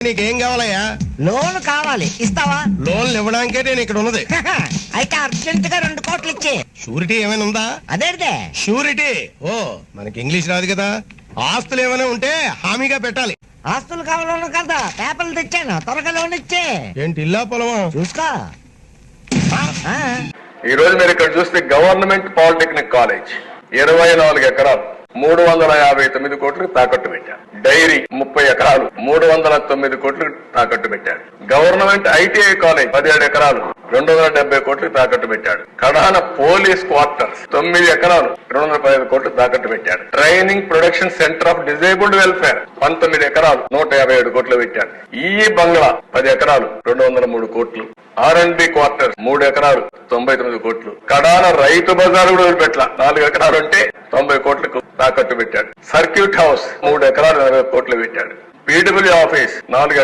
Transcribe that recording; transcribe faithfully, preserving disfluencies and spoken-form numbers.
నీకేం కావాలయ్యా? లోన్ కావాలి, ఇస్తావా? లోన్లు ఇవ్వడానికే నేను ఇక్కడ ఉన్నది. అయితే అర్జెంట్ గా రెండు కోట్లు ఇచ్చే. షూరిటీ ఏమైనా ఉందా? అదేదే షూరిటీ? ఓ, మనకి ఇంగ్లీష్ రాదు కదా. ఆస్తులు ఏమైనా ఉంటే హామీగా పెట్టాలి. ఆస్తులు కావాలను కదా, పేపర్లు తెచ్చాను, త్వరగా లోన్ ఇచ్చే. ఏంటి ఇల్లా పొలమా? చూసుకో. ఆ, ఈ రోజు మీరు ఇక్కడ చూస్తే గవర్నమెంట్ పాలిటెక్నిక్ కాలేజ్ ఇరవై నాలుగు ఎకరాలు మూడు వందల యాభై తొమ్మిది కోట్లు తాకట్టు పెట్టారు. డైరీ ముప్పై ఎకరాలు మూడు వందల తొమ్మిది కోట్లు తాకట్టు పెట్టాడు. గవర్నమెంట్ ఐటీఐ కాలేజ్ పదిహేడు ఎకరాలు రెండు వందల డెబ్బై కోట్లు తాకట్టు పెట్టాడు. కడాన పోలీస్ క్వార్టర్స్ తొమ్మిది ఎకరాలు రెండు వందల పదిహేను కోట్లు తాకట్టు పెట్టాడు. Training production centre of disabled welfare పంతొమ్మిది ఎకరాలు నూట యాభై ఏడు కోట్లు పెట్టాడు. ఈ బంగ్లా పది ఎకరాలు రెండు వందల మూడు కోట్లు. ఆర్ అండ్ బి క్వార్టర్స్ మూడు ఎకరాలు తొంభై తొమ్మిది కోట్లు. కడాన రైతు బజార్ కూడా వదిలిపెట్ల నాలుగు ఎకరాలు ఉంటే తొంభై కోట్లకు తాకట్టు పెట్టాడు. సర్క్యూట్ హౌస్ మూడు ఎకరాలు నలభై కోట్లు పెట్టాడు. పీడబ్ల్యూ ఆఫీస్ నాలుగు